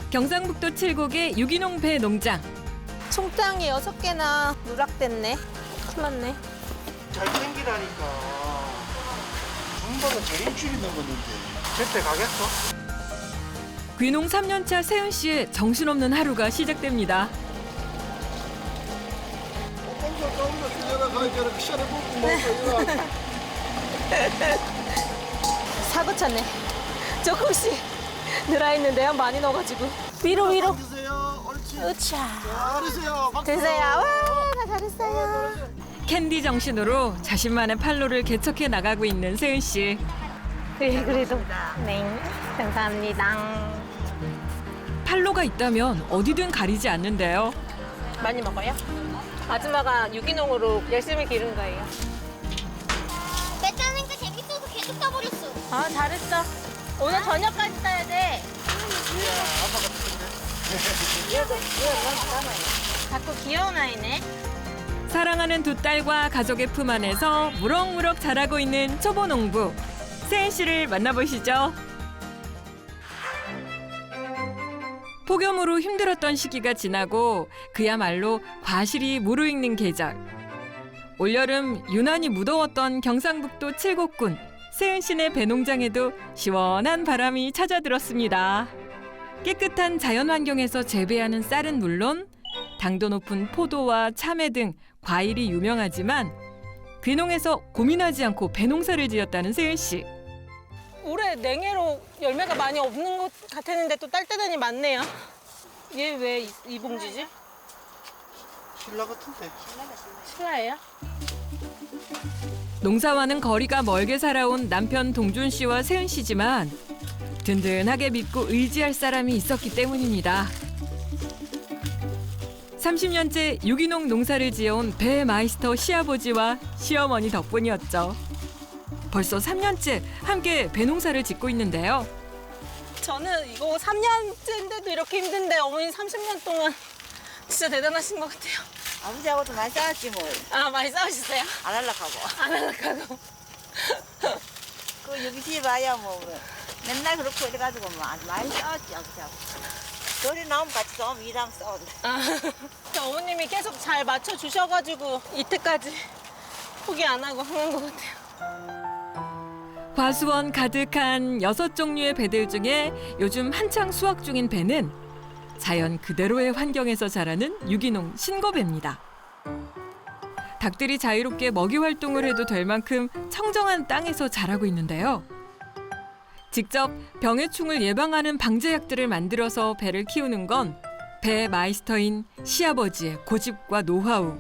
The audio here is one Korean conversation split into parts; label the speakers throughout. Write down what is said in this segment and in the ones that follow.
Speaker 1: 경상북도 칠곡의 유기농 배 농장.
Speaker 2: 총땅이 6개나 누락됐네. 큰일 났네.
Speaker 3: 잘 땡기라니까. 정보가 제일 줄이 넘었는데 제때 가겠어?
Speaker 1: 귀농 3년차 세은 씨의 정신없는 하루가 시작됩니다.
Speaker 3: 꼼꼼 까운다 주제라 가야 저렇게 시원해 먹고 먹고
Speaker 2: 사고 쳤네. 조금씩 늘어있는데요. 많이 넣어가지고. 위로.
Speaker 3: 드세요. 옳지.
Speaker 2: 으차.
Speaker 3: 잘하세요. 박수.
Speaker 2: 드세요. 와, 다 잘했어요.
Speaker 1: 캔디 정신으로 자신만의 판로를 개척해 나가고 있는 세은 씨.
Speaker 2: 네, 그래도. 네, 감사합니다.
Speaker 1: 판로가 있다면 어디든 가리지 않는데요.
Speaker 2: 많이 먹어요? 아줌마가 유기농으로 열심히 기른 거예요.
Speaker 4: 배 따는 게 재밌어서 계속 따버렸어.
Speaker 2: 아, 잘했어. 오늘 저녁까지 따야 돼. 자꾸 귀여운 아이네.
Speaker 1: 사랑하는 두 딸과 가족의 품 안에서 무럭무럭 자라고 있는 초보 농부 세은 씨를 만나보시죠. 폭염으로 힘들었던 시기가 지나고 그야말로 과실이 무르익는 계절. 올여름 유난히 무더웠던 경상북도 칠곡군 세은 씨네 배농장에도 시원한 바람이 찾아들었습니다. 깨끗한 자연 환경에서 재배하는 쌀은 물론 당도 높은 포도와 참외 등 과일이 유명하지만 귀농에서 고민하지 않고 배농사를 지었다는 세은 씨.
Speaker 2: 올해 냉해로 열매가 많이 없는 것 같았는데 또 딸 때더니 많네요. 얘 왜 이 봉지지?
Speaker 3: 신라 같은데.
Speaker 2: 신라예요?
Speaker 1: 농사와는 거리가 멀게 살아온 남편 동준 씨와 세은 씨지만 든든하게 믿고 의지할 사람이 있었기 때문입니다. 30년째 유기농 농사를 지어온 배 마이스터 시아버지와 시어머니 덕분이었죠. 벌써 3년째 함께 배농사를 짓고 있는데요.
Speaker 2: 저는 이거 3년째인데도 이렇게 힘든데 어머니 30년 동안 진짜 대단하신 것 같아요.
Speaker 5: 아버지하고도 많이 싸웠지 뭐.
Speaker 2: 아, 많이 싸우셨어요?
Speaker 5: 안 할락하고.
Speaker 2: 안 할락하고.
Speaker 5: 그 여기 집에 와야 뭐 맨날 그렇고 이래가지고 뭐 많이 싸웠지 아버지하고. 둘이 나오면 같이 싸우면 이랑 싸운다.
Speaker 2: 아, 어머님이 계속 잘 맞춰주셔가지고 이때까지 포기 안 하고 하는 것 같아요.
Speaker 1: 과수원 가득한 6종류의 배들 중에 요즘 한창 수확 중인 배는 자연 그대로의 환경에서 자라는 유기농 신고배입니다. 닭들이 자유롭게 먹이 활동을 해도 될 만큼 청정한 땅에서 자라고 있는데요. 직접 병해충을 예방하는 방제약들을 만들어서 배를 키우는 건 배 마이스터인 시아버지의 고집과 노하우.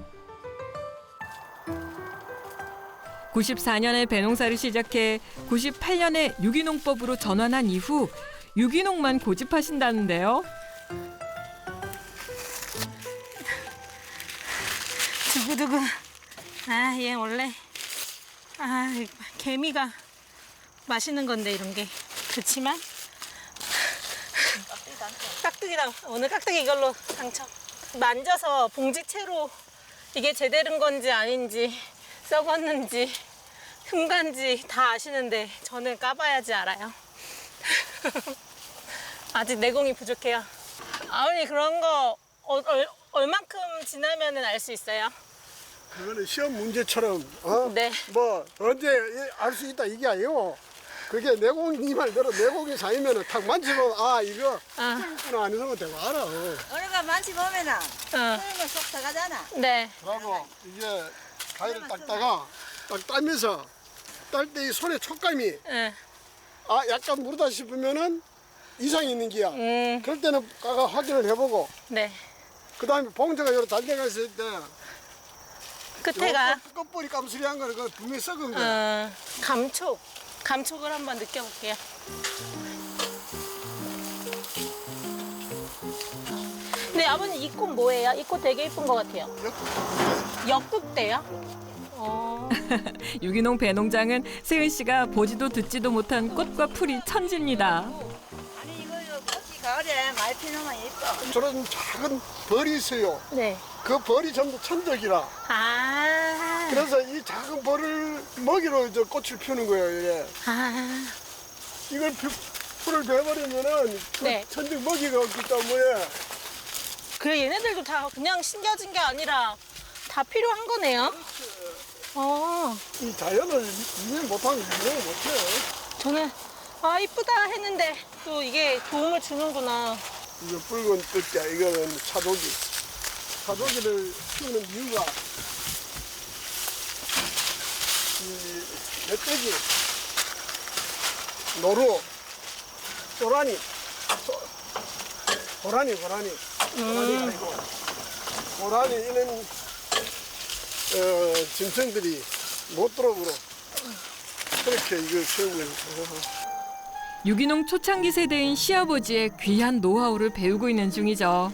Speaker 1: 94년에 배농사를 시작해 98년에 유기농법으로 전환한 이후 유기농만 고집하신다는데요.
Speaker 2: 두구두구. 아, 얘 원래 개미가 맛있는 건데 이런 게. 그렇지만 깍두기랑 오늘 깍두기 이걸로 당첨. 만져서 봉지채로 이게 제대로인 건지 아닌지 썩었는지 흠간지 다 아시는데 저는 까봐야지 알아요. 아직 내공이 부족해요. 아버님 그런 거 얼만큼 지나면 알 수 있어요?
Speaker 3: 그거는 시험 문제처럼
Speaker 2: 네.
Speaker 3: 뭐 언제 알 수 있다 이게 아니고 그게 내공이 네 말대로 내공이 쌓이면은 탁 만지면 이거 있구나 안 있으면 되고 알아.
Speaker 5: 어느가 많지 보면은 그러면 속 들어가잖아.
Speaker 2: 네.
Speaker 3: 그리고 이게 가위를 닦다가 딱 따면서 딸 때 이 손의 촉감이
Speaker 2: 네.
Speaker 3: 약간 무르다 싶으면은 이상이 있는 기야. 그럴 때는 까가 확인을 해보고
Speaker 2: 네.
Speaker 3: 그 다음에 봉지가 여러 달려가 있을 때
Speaker 2: 끝에가
Speaker 3: 끝볼이 깜수리한 거는 그 분명히 썩은 거야.
Speaker 2: 감촉을 한번 느껴볼게요. 네, 아버님 이 꽃 뭐예요? 이 꽃 되게 예쁜 것 같아요. 역국대요?
Speaker 1: 유기농 배농장은 세은 씨가 보지도 듣지도 못한 꽃과 풀이 천지입니다.
Speaker 5: 아니 이거 꽃이 가을에 많이 피우면 예뻐.
Speaker 3: 저런 작은 벌이 있어요.
Speaker 2: 네.
Speaker 3: 그 벌이 전부 천적이라.
Speaker 2: 아.
Speaker 3: 그래서 이 작은 벌을 먹이로 저 꽃을 피우는 거예요. 이래.
Speaker 2: 아.
Speaker 3: 이걸 풀을 베버리면은
Speaker 2: 네.
Speaker 3: 천적 먹이가 없기 때문에
Speaker 2: 그래 얘네들도 다 그냥 심겨진 게 아니라 다 필요한 거네요.
Speaker 3: 이 자연을 이해 못하면 이해 못해.
Speaker 2: 저는 이쁘다 했는데 또 이게 도움을 주는구나.
Speaker 3: 이거 붉은 뜰자 이거는 차도기. 차도기를 키우는 이유가 이 멧돼지, 노루, 쪼라니, 고라니 아니고 고라니 이런 짐승들이 못 들어오도록 그렇게 이걸 키우고 있는 거예요.
Speaker 1: 유기농 초창기 세대인 시아버지의 귀한 노하우를 배우고 있는 중이죠.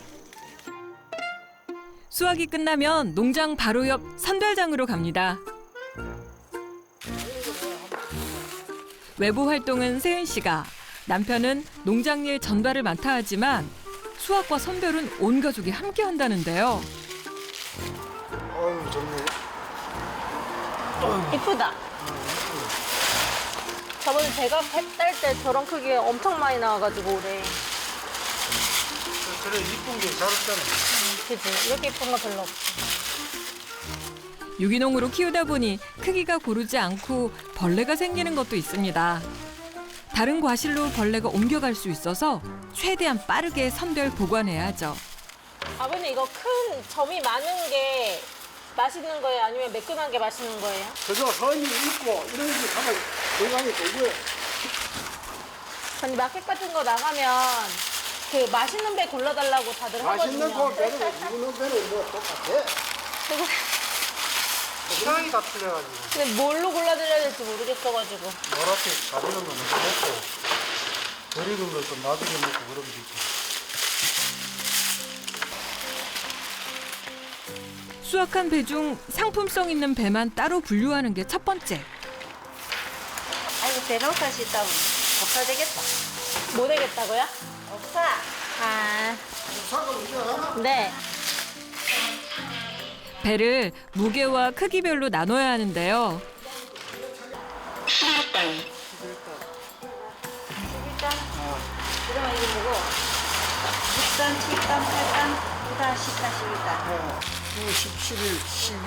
Speaker 1: 수확이 끝나면 농장 바로 옆 선별장으로 갑니다. 외부 활동은 세은 씨가, 남편은 농장 일 전달을 맡아 하지만 수확과 선별은 온 가족이 함께 한다는데요.
Speaker 3: 아유 정말
Speaker 2: 이쁘다. 저번에 제가 딸 때 저런 크기가 엄청 많이 나와가지고 올해.
Speaker 6: 그래 이쁜 게 잘 없잖아.
Speaker 2: 그치? 이렇게 이쁜 거 별로 없어.
Speaker 1: 유기농으로 키우다 보니 크기가 고르지 않고 벌레가 생기는 것도 있습니다. 다른 과실로 벌레가 옮겨갈 수 있어서 최대한 빠르게 선별 보관해야 하죠.
Speaker 2: 아버님 이거 큰 점이 많은 게 맛있는 거예요? 아니면 매끈한 게 맛있는 거예요?
Speaker 3: 그저 선이 있고 이런 게 가장 건강이 되고요.
Speaker 2: 아니 마켓 같은 거 나가면 그 맛있는 배 골라달라고 다들
Speaker 3: 맛있는
Speaker 2: 하거든요.
Speaker 3: 거 배는 이거는 배는 뭐 똑같아.
Speaker 6: 취향이 다 틀려가지고
Speaker 2: 근데 뭘로 골라드려야 될지 모르겠어가지고.
Speaker 6: 노랗게 가지는 거 먼저 먹고 버리는 걸 좀 나중에 먹고 그러면 되지.
Speaker 1: 수확한 배 중 상품성 있는 배만 따로 분류하는 게 첫 번째.
Speaker 5: 아이고 배농사 짓다고 없어 되겠다.
Speaker 2: 뭐 되겠다고요?
Speaker 5: 없어.
Speaker 2: 아,
Speaker 3: 사과 이거
Speaker 2: 네.
Speaker 1: 배를 무게와 크기별로 나눠야 하는데요.
Speaker 5: 11단. 그러면 이거 뭐고? 6단, 7단, 8단, 9단, 10단, 11단.
Speaker 3: 9, 17,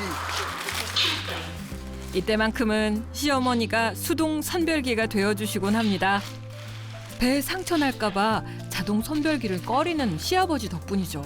Speaker 3: 12.
Speaker 1: 이때만큼은 시어머니가 수동 선별기가 되어주시곤 합니다. 배에 상처 날까 봐 자동 선별기를 꺼리는 시아버지 덕분이죠.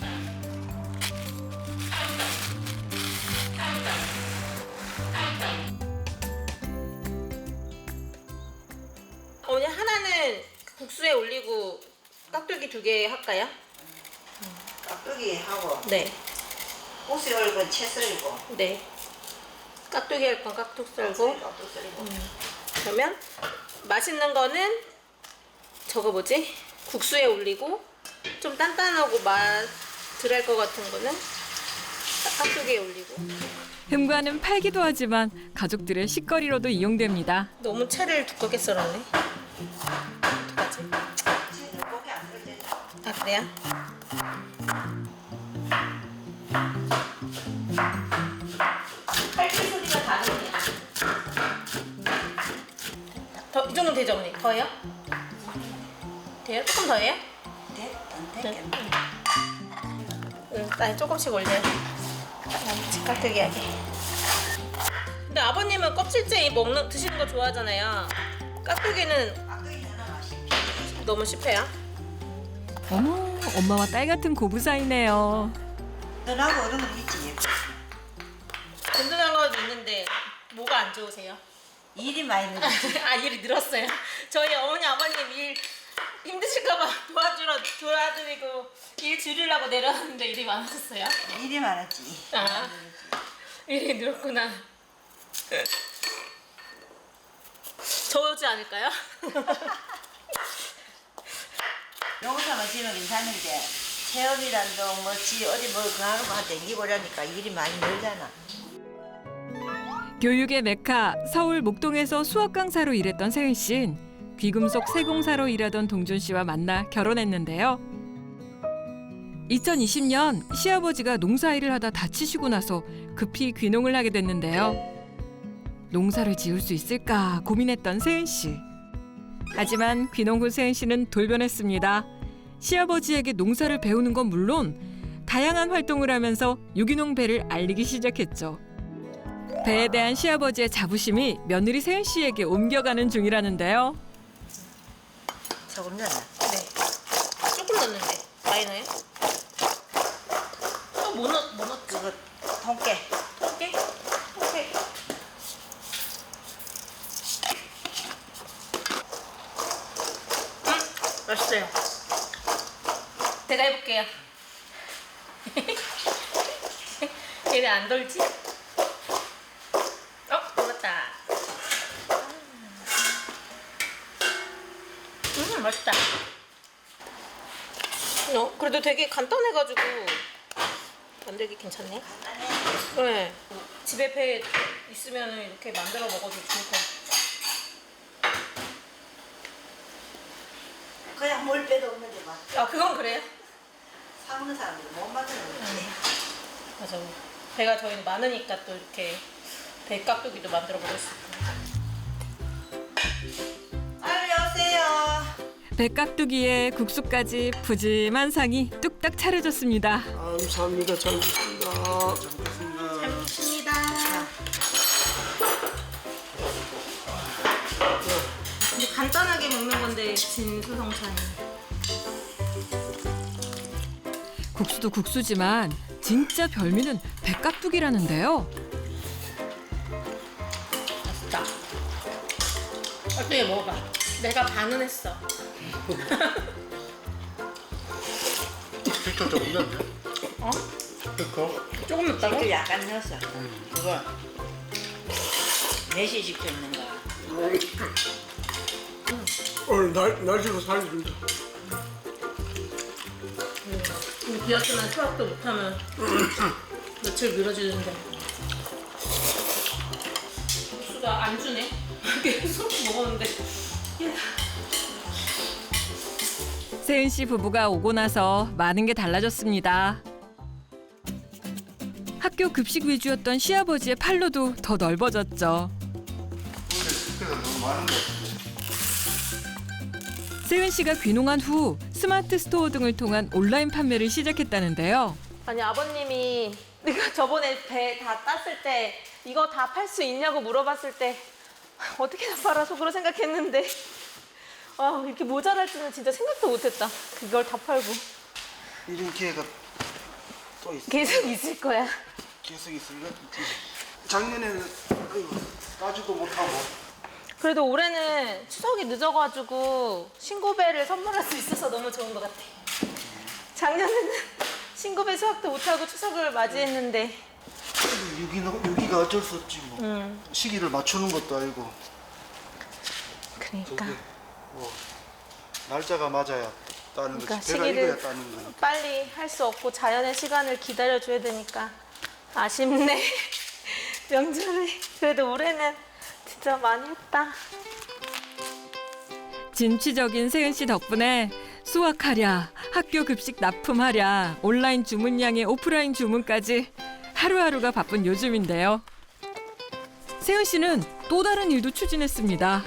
Speaker 2: 어머니 하나는 국수에 올리고 깍두기 2개 할까요?
Speaker 5: 깍두기 하고
Speaker 2: 네.
Speaker 5: 꽃이 얼건 채 썰고
Speaker 2: 네. 깍두기 할 건 깍둑 썰고.
Speaker 5: 깍둑 썰고
Speaker 2: 그러면 맛있는 거는 저거 뭐지? 국수에 올리고 좀 단단하고 맛 덜할 것 같은 거는 깍두기에 올리고.
Speaker 1: 흠과는 팔기도 하지만 가족들의 식거리로도 이용됩니다.
Speaker 2: 너무 채를 두껍게 썰었네. 어떡하지?
Speaker 5: 채는 고기 안 썰잖아.
Speaker 2: 아 그래요? 칼질 소리가 다르네. 이 정도면 되죠, 어머니? 더해요? 돼요? 조금 더해요?
Speaker 5: 돼? 안
Speaker 2: 네.
Speaker 5: 되겠네.
Speaker 2: 나 조금씩 올려요. 깍두기 하게. 근데 아버님은 껍질째 드시는 거 좋아하잖아요. 깍두기는
Speaker 5: 깍두기 하나 맛있게.
Speaker 2: 너무 씹혀요.
Speaker 1: 어머, 엄마와 딸 같은 고부 사이네요.
Speaker 5: 너하고 어른 건 있지.
Speaker 2: 든든한 것도 있는데 뭐가 안 좋으세요?
Speaker 5: 일이 많이 늘었지.
Speaker 2: 아 일이 늘었어요. 저희 어머니 아버님 일 힘드실까봐 도와드리고 일 줄이려고 내려왔는데 일이 많았어요.
Speaker 5: 일이 많았지.
Speaker 2: 아 일이 늘었구나. 저지 않을까요?
Speaker 5: 농사만 지으면 괜찮은데 체험이란도 뭐지 어디 뭐 그하루만 댕기고 그러니까 일이 많이 늘잖아.
Speaker 1: 교육의 메카 서울 목동에서 수학 강사로 일했던 세은 씨는 귀금속 세공사로 일하던 동준 씨와 만나 결혼했는데요. 2020년 시아버지가 농사일을 하다 다치시고 나서 급히 귀농을 하게 됐는데요. 농사를 지을 수 있을까 고민했던 세은 씨. 하지만 귀농 후 세은 씨는 돌변했습니다. 시아버지에게 농사를 배우는 건 물론 다양한 활동을 하면서 유기농 배를 알리기 시작했죠. 배에 대한 시아버지의 자부심이 며느리 세은 씨에게 옮겨가는 중이라는데요.
Speaker 5: 소금 넣나?
Speaker 2: 네. 조금 넣는데 많이 넣어요? 뭐 넣었지?
Speaker 5: 그거 통깨.
Speaker 2: 오케이. 오케이. 맛있어요. 제가 해볼게요. 얘 왜 안 돌지? 돌았다. 맛있다. 그래도 되게 간단해가지고 만들기 괜찮네. 네. 집에 배 있으면 이렇게 만들어 먹어도 좋을 것 같아요.
Speaker 5: 그냥 뭘 빼도 없는데 막
Speaker 2: 그건 그래요?
Speaker 5: 사먹는 사람들 못 만드는 거지.
Speaker 2: 맞아. 배가 저희는 많으니까 또 이렇게 배 깍두기도 만들어 먹을 수 있고.
Speaker 5: 아유 여보세요.
Speaker 1: 배 깍두기에 국수까지 푸짐한 상이 뚝딱 차려졌습니다.
Speaker 3: 감사합니다. 잘 먹습니다.
Speaker 2: 잘 먹습니다. 근데 간단하게 먹는 건데 진수성찬이.
Speaker 1: 국수도 국수지만 진짜 별미는 배 깍두기라는데요.
Speaker 2: 맛있다. 깍두기 먹어봐. 내가 반은 했어.
Speaker 6: 식초 조금 넣었네.
Speaker 2: 어?
Speaker 6: 그거
Speaker 2: 조금 넣었다고?
Speaker 5: 또 약간 넣었어. 그거 몇시 식초 있는 거야?
Speaker 3: 오늘 날씨가 살려준다.
Speaker 2: 비 왔으면 수학도 못하면 며칠 미뤄지는데. 국수가 안 주네. 계속 먹었는데.
Speaker 1: 세은 씨 부부가 오고 나서 많은 게 달라졌습니다. 학교 급식 위주였던 시아버지의 팔로도 더 넓어졌죠.
Speaker 6: 원래 식혜가 너무 많은 것 같은데.
Speaker 1: 세은 씨가 귀농한 후 스마트 스토어 등을 통한 온라인 판매를 시작했다는데요.
Speaker 2: 아니 아버님이 내가 저번에 배 다 땄을 때 이거 다 팔 수 있냐고 물어봤을 때 어떻게 다 팔아 속으로 생각했는데 이렇게 모자랄 줄은 진짜 생각도 못했다. 그걸 다 팔고
Speaker 6: 이런 기회가 또 있어.
Speaker 2: 계속 있을 거야.
Speaker 6: 계속 있으니까 작년에는 아이고, 따지도 못하고.
Speaker 2: 그래도 올해는 추석이 늦어가지고 신고배를 선물할 수 있어서 너무 좋은 것 같아. 작년에는 신고배 수확도 못하고 추석을 맞이했는데
Speaker 6: 유기가 어쩔 수 없지 뭐. 시기를 맞추는 것도 아니고.
Speaker 2: 그러니까
Speaker 6: 날짜가 맞아야 따는
Speaker 2: 그러니까
Speaker 6: 거지. 배가
Speaker 2: 시기를
Speaker 6: 익어야 따는 거니까.
Speaker 2: 빨리 할 수 없고 자연의 시간을 기다려줘야 되니까 아쉽네. 명절에 그래도 올해는 진짜 많이 했다.
Speaker 1: 진취적인 세은 씨 덕분에 수확하랴, 학교 급식 납품하랴, 온라인 주문량의 오프라인 주문까지 하루하루가 바쁜 요즘인데요. 세은 씨는 또 다른 일도 추진했습니다.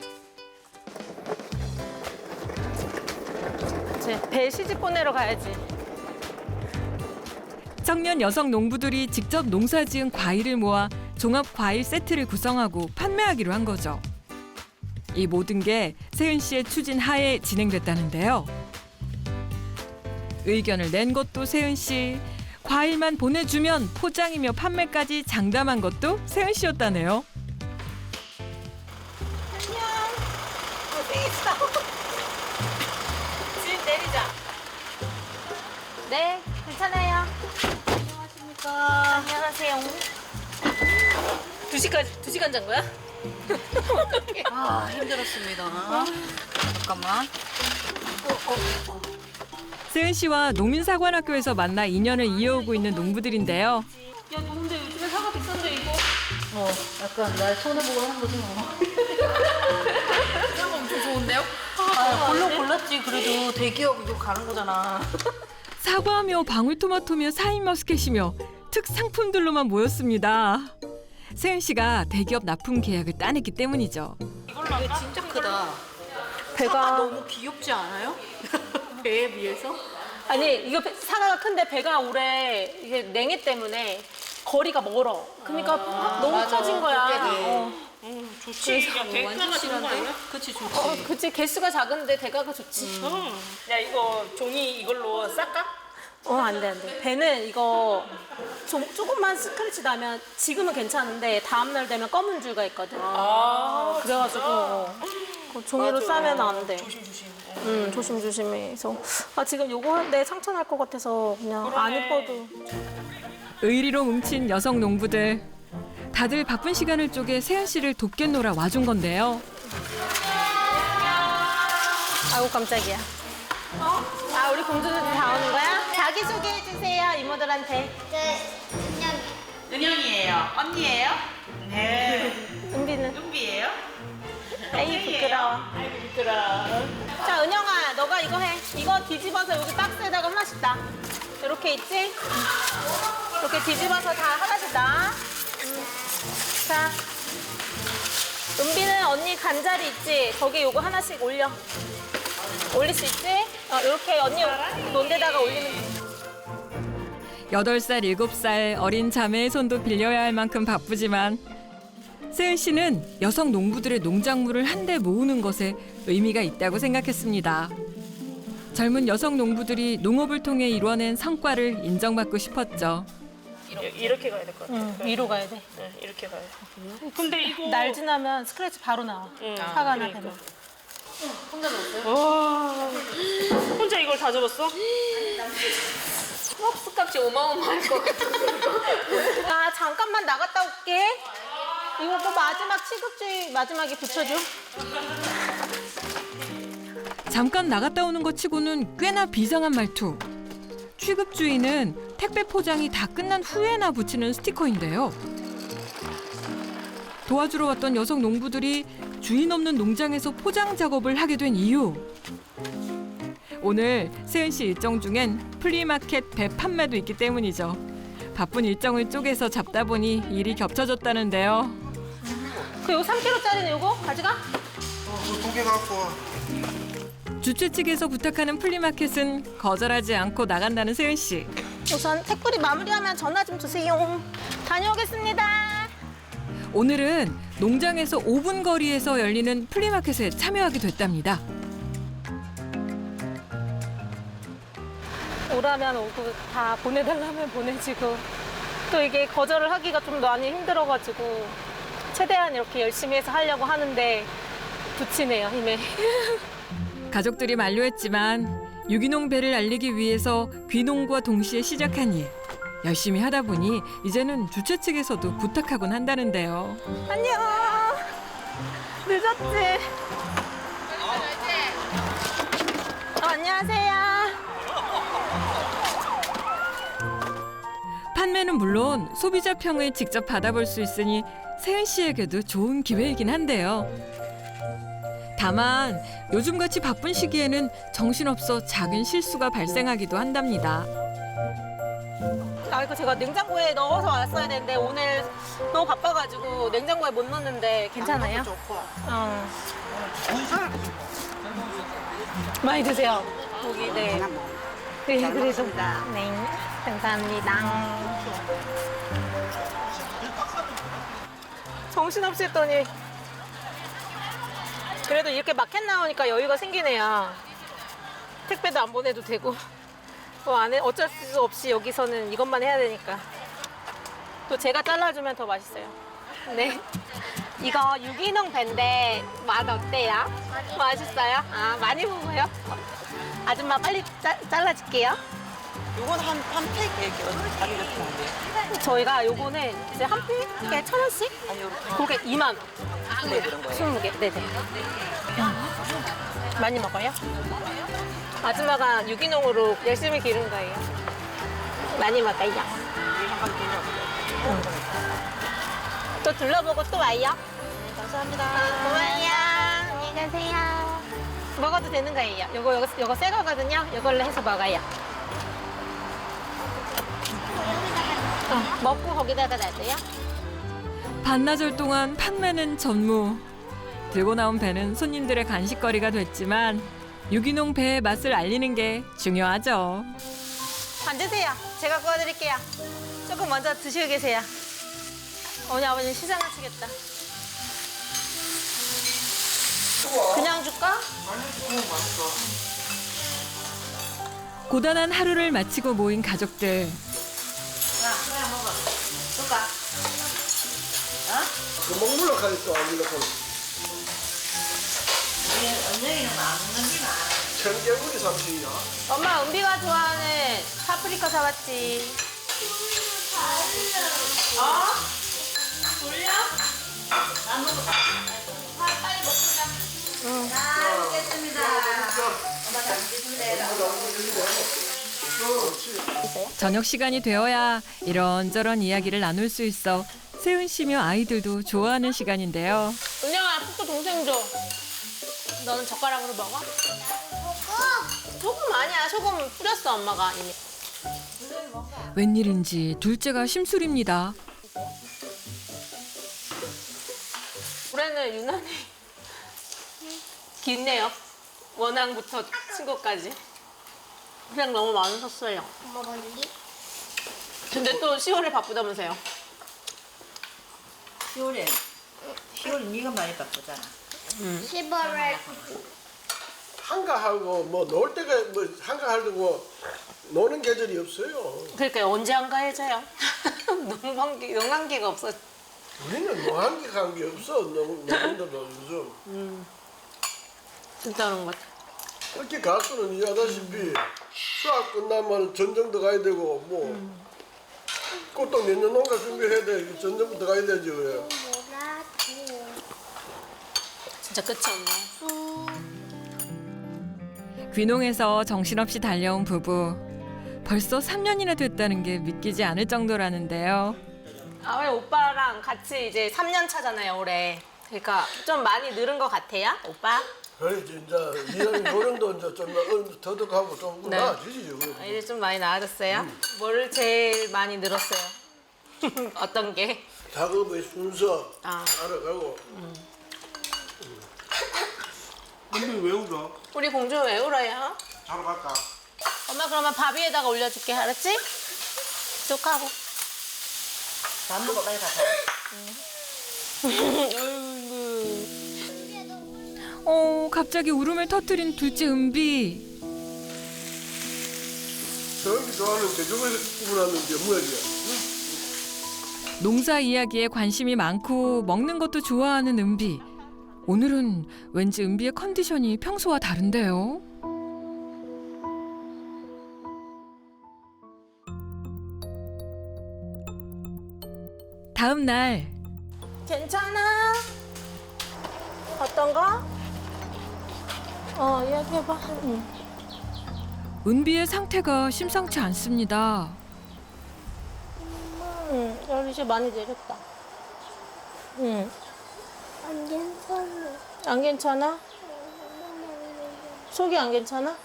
Speaker 2: 이제 배 시집 보내러 가야지.
Speaker 1: 청년 여성 농부들이 직접 농사지은 과일을 모아 종합 과일 세트를 구성하고 판매하기로 한 거죠. 이 모든 게 세은 씨의 추진 하에 진행됐다는데요. 의견을 낸 것도 세은 씨, 과일만 보내주면 포장이며 판매까지 장담한 것도 세은 씨였다네요.
Speaker 2: 고생했어. 집 내리자. 네, 괜찮아요. 안녕하십니까. 안녕하세요. 2시간 잔 거야?
Speaker 7: 힘들었습니다. 잠깐만.
Speaker 1: 세은 씨와 농민사관학교에서 만나 인연을 이어오고 있는 농부들인데요.
Speaker 2: 야, 너 근데 요즘에 사과 비싼데 이거.
Speaker 7: 약간 날 손해보고 하는 거지 뭐.
Speaker 2: 사과 엄청 좋은데요?
Speaker 7: 물론 골랐지. 그래도 대기업 이거 가는 거잖아.
Speaker 1: 사과며 방울토마토며 사인머스켓이며 특상품들로만 모였습니다. 세은 씨가 대기업 납품 계약을 따냈기 때문이죠.
Speaker 7: 이게 진짜 크다.
Speaker 2: 배가
Speaker 7: 너무 귀엽지 않아요? 배에 비해서?
Speaker 2: 아니 이거 사과가 큰데 배가 올해 이게 냉해 때문에 거리가 멀어. 그러니까 너무 커진 거야.
Speaker 7: 좋지. 야, 대가가 좋은 거 아니야? 그치, 좋지.
Speaker 2: 그치 개수가 작은데 대가가 좋지.
Speaker 7: 야, 이거 종이 이걸로 쌀까?
Speaker 2: 안 돼, 안 돼. 배는 이거 조금만 스크래치 나면 지금은 괜찮은데 다음날 되면 검은 줄가 있거든. 그래가지고 그거 종이로 싸면 안 돼. 조심조심. 조심조심해서. 지금 요거 하는데 상처 날 것 같아서 그냥 안 이뻐도.
Speaker 1: 의리로 뭉친 여성 농부들. 다들 바쁜 시간을 쪼개 세은 씨를 돕겠노라 와준 건데요.
Speaker 2: 아이고 깜짝이야. 우리 공주들 다 오는 거야? 자기소개해주세요 이모들한테.
Speaker 5: 은영이에요. 언니예요? 네.
Speaker 2: 은비는?
Speaker 5: 은비예요?
Speaker 2: 에이 부끄러워.
Speaker 5: 아이고 부끄러워.
Speaker 2: 자 은영아 너가 이거 해. 이거 뒤집어서 여기 박스에다가 하나씩 놔. 이렇게 있지? 이렇게 뒤집어서 다 하나씩 놔. 자 은비는 언니 간자리 있지? 거기 요거 하나씩 올려. 올릴 수 있지? 이렇게 언니 논 데다가 올리면 돼.
Speaker 1: 8살, 7살 어린 자매의 손도 빌려야 할 만큼 바쁘지만 세은 씨는 여성 농부들의 농작물을 한데 모으는 것에 의미가 있다고 생각했습니다. 젊은 여성 농부들이 농업을 통해 이뤄낸 성과를 인정받고 싶었죠.
Speaker 7: 이렇게 가야 될 것 같아.
Speaker 2: 위로 가야 돼.
Speaker 7: 네, 이렇게 가야 돼. 근데 이거
Speaker 2: 날 지나면 스크래치 바로 나와. 사과나
Speaker 7: 그러니까.
Speaker 2: 되면.
Speaker 7: 와, 혼자 이걸 다 접었어?
Speaker 2: 값이 어마어마할 것 같아. 잠깐만 나갔다 올게. 이거 그 마지막 취급주의 마지막에 붙여줘.
Speaker 1: 잠깐 나갔다 오는 것 치고는 꽤나 비상한 말투. 취급주의는 택배 포장이 다 끝난 후에나 붙이는 스티커인데요. 도와주러 왔던 여성 농부들이 주인 없는 농장에서 포장 작업을 하게 된 이유. 오늘 세은 씨 일정 중엔 플리마켓 배 판매도 있기 때문이죠. 바쁜 일정을 쪼개서 잡다 보니 일이 겹쳐졌다는데요.
Speaker 2: 요거 3kg짜리는 요거 가져가?
Speaker 6: 두 개 갖고 와.
Speaker 1: 주최 측에서 부탁하는 플리마켓은 거절하지 않고 나간다는 세은 씨.
Speaker 2: 우선 택불이 마무리하면 전화 좀 주세요. 다녀오겠습니다.
Speaker 1: 오늘은 농장에서 5분 거리에서 열리는 플리마켓에 참여하게 됐답니다.
Speaker 2: 오라면 오고 다 보내달라면 보내지고 또 이게 거절을 하기가 좀 많이 힘들어가지고 최대한 이렇게 열심히 해서 하려고 하는데 붙이네요 힘에.
Speaker 1: 가족들이 만류했지만 유기농 배를 알리기 위해서 귀농과 동시에 시작한 일. 열심히 하다 보니 이제는 주최 측에서도 부탁하곤 한다는데요.
Speaker 2: 안녕. 늦었지? 안녕하세요.
Speaker 1: 판매는 물론 소비자 평을 직접 받아볼 수 있으니 세은 씨에게도 좋은 기회이긴 한데요. 다만 요즘같이 바쁜 시기에는 정신없어 작은 실수가 발생하기도 한답니다.
Speaker 2: 이거 제가 냉장고에 넣어서 왔어야 되는데 오늘 너무 바빠가지고 냉장고에 못 넣었는데 괜찮아요? 많이 드세요. 고기 네. 네 그래서 네 감사합니다. 정신없이 했더니 그래도 이렇게 마켓 나오니까 여유가 생기네요. 택배도 안 보내도 되고. 안에 어쩔 수 없이 여기서는 이것만 해야 되니까. 또 제가 잘라주면 더 맛있어요. 네. 이거 유기농 배인데 맛 어때요? 맛있어요? 많이 먹어요? 아줌마 빨리 잘라줄게요.
Speaker 5: 요건 한 팩 이렇게 가격이 어떻게 하는데요?
Speaker 2: 저희가 요거는 이제 한 팩에 1,000원씩?
Speaker 5: 아니 이렇게
Speaker 2: 그게 2만 원.
Speaker 5: 네, 그런 거예요.
Speaker 2: 20개. 네네. 많이 먹어요? 아줌마가 유기농으로 열심히 기른 거예요. 많이 먹어요. 또 둘러보고 또 와요.
Speaker 5: 감사합니다.
Speaker 2: 고마워요. 안녕히 가세요. 먹어도 되는 거예요. 요거 새 거거든요. 요걸로 해서 먹어요. 먹고 거기다가 놔둬요.
Speaker 1: 반나절 동안 판매는 전무. 들고 나온 배는 손님들의 간식거리가 됐지만 유기농 배의 맛을 알리는 게 중요하죠.
Speaker 2: 앉으세요. 제가 구워드릴게요. 조금 먼저 드시고 계세요. 오늘 아버님 시장하시겠다. 그냥 줄까?
Speaker 1: 고단한 하루를 마치고 모인 가족들.
Speaker 5: 그냥 먹어. 줄까?
Speaker 3: 그 먹물로 가있어 안 물러서
Speaker 5: 우리 언영이는 안 먹는지만.
Speaker 3: 청개구리 삼식이야.
Speaker 2: 엄마 은비가 좋아하는 파프리카 사왔지. 어? 돌려?
Speaker 5: 나 먹어. 빨리 먹자. 잘 먹겠습니다. 엄마 잘 먹겠습니다.
Speaker 1: 저녁 시간이 되어야 이런저런 이야기를 나눌 수 있어 세은 씨며 아이들도 좋아하는 시간인데요.
Speaker 2: 은영아, 푹도 동생 줘. 너는 젓가락으로 먹어? 소금 아니야. 소금 뿌렸어, 엄마가 이미.
Speaker 1: 웬일인지 둘째가 심술입니다.
Speaker 2: 올해는 유난히 긴네요. 원앙부터 친구까지. 그냥 너무 많으셨어요.
Speaker 4: 엄마 멀리?
Speaker 2: 근데 또 10월에 바쁘다면서요.
Speaker 5: 10월 네가 많이 바쁘잖아.
Speaker 4: 10월에
Speaker 3: 한가하고 뭐 놀 때가 뭐 한가하고 노는 계절이 없어요.
Speaker 2: 그러니까 언제 한가해져요? 농한기가 없어.
Speaker 3: 우리는 노한기 간게 없어. 농민들도 요즘
Speaker 2: 진짜 그런 것 같아.
Speaker 3: 특히 가수는 이해하다시피 수학 끝나면 전쟁도 가야 되고 뭐 꽃도 내년 농가 준비해야 돼. 전쟁부터 가야 되지 왜?
Speaker 2: 진짜 끝이 없네.
Speaker 1: 귀농에서 정신없이 달려온 부부. 벌써 3년이나 됐다는 게 믿기지 않을 정도라는데요.
Speaker 2: 아, 오빠랑 같이 이제 3년 차잖아요, 올해. 그러니까 좀 많이 늘은 것 같아요, 오빠?
Speaker 3: 그래 진짜 이런 요령도 이제 좀 더덕하고 좀
Speaker 2: 네.
Speaker 3: 나아지지.
Speaker 2: 아, 이제 좀 많이 나아졌어요? 뭘 제일 많이 늘었어요? 어떤 게?
Speaker 3: 작업의 순서
Speaker 2: 아.
Speaker 3: 알아가고. 근데 왜 울어?
Speaker 2: 우리 공주 왜 울어요?
Speaker 3: 자러 갈까?
Speaker 2: 엄마 그러면 밥 위에다가 올려줄게, 알았지? 쑥하고.
Speaker 5: 밥 먹어 빨리 가자.
Speaker 1: 갑자기 울음을 터뜨린 둘째 은비.
Speaker 3: 저기 좋아하는 개종에서 구분하는 게 뭐야?
Speaker 1: 농사 이야기에 관심이 많고 먹는 것도 좋아하는 은비. 오늘은 왠지 은비의 컨디션이 평소와 다른데요. 다음 날
Speaker 2: 괜찮아? 어떤 거? 이야기해봐.
Speaker 1: 은비의 상태가 심상치 않습니다.
Speaker 2: 열 이제 많이 내렸다.
Speaker 4: 안 괜찮아.
Speaker 2: 안 괜찮아? 속이 안 괜찮아?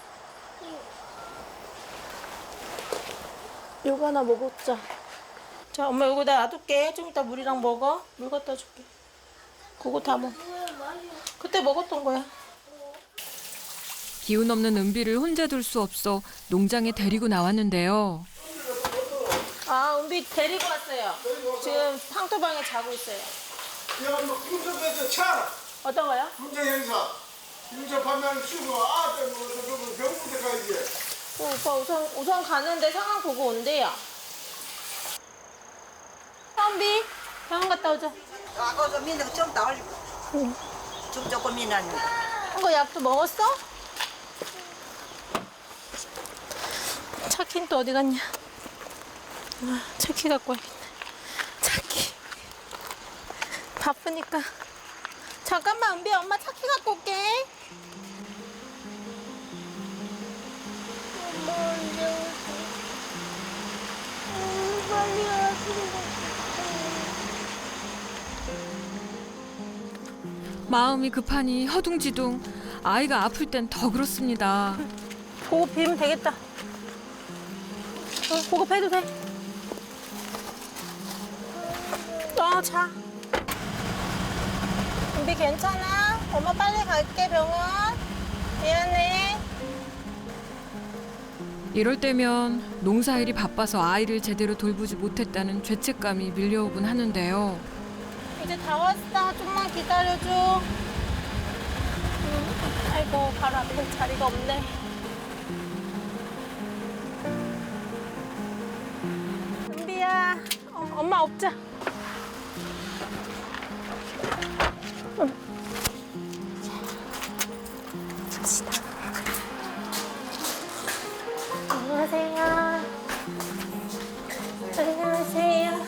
Speaker 2: 요거 하나 먹었자. 자, 엄마 요거 나 놔둘게. 좀 이따 물이랑 먹어. 물 갖다 줄게. 그거 다 먹어. 그때 먹었던 거야.
Speaker 1: 기운 없는 은비를 혼자 둘 수 없어 농장에 데리고 나왔는데요.
Speaker 2: 아, 은비 데리고 왔어요. 지금 황토방에 자고 있어요.
Speaker 3: 야, 뭐 군정에서 차,
Speaker 2: 어떤 거요?
Speaker 3: 군정 행사, 군정 판매를 치고 아들 뭐 병부대 가야지.
Speaker 2: 오빠 우선 가는데 상황 보고 온대요. 은비 병원 갔다 오자.
Speaker 5: 아까 좀 민다고 좀 나올. 좀 조금 미나니.
Speaker 2: 이거 약도 먹었어? 차키는 또 어디 갔냐? 아, 차키 갖고 와야겠네. 차키. 바쁘니까. 잠깐만, 은비 엄마 차키 갖고 올게.
Speaker 4: 엄마 언제 오지? 빨리 와주고.
Speaker 1: 마음이 급하니 허둥지둥. 아이가 아플 땐 더 그렇습니다.
Speaker 2: 보고 비면 되겠다. 보고해도 돼. 자. 은비 괜찮아? 엄마 빨리 갈게 병원. 미안해.
Speaker 1: 이럴 때면 농사일이 바빠서 아이를 제대로 돌보지 못했다는 죄책감이 밀려오곤 하는데요.
Speaker 2: 이제 다 왔어. 좀만 기다려줘. 아이고 바로 앞에 자리가 없네. 은비야, 엄마 업자. 안녕하세요. 안녕하세요.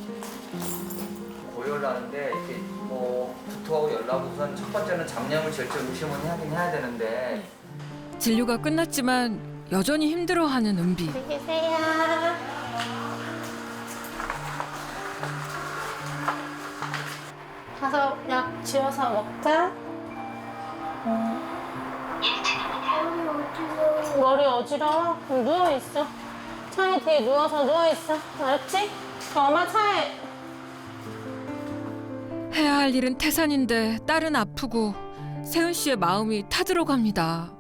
Speaker 8: 고열나는데 이렇게 뭐 구토하고 열나고 우선 첫 번째는 장염을 절제 의심은 하긴 해야 되는데
Speaker 1: 진료가 끝났지만 여전히 힘들어하는 은비.
Speaker 2: 안녕히 계세요. 가서 약 지어서 먹자. 머리 어지러워? 그럼 누워있어. 차에 뒤에 누워서 누워있어. 알았지? 그럼 엄마 차에.
Speaker 1: 해야 할 일은 태산인데 딸은 아프고 세은 씨의 마음이 타들어갑니다.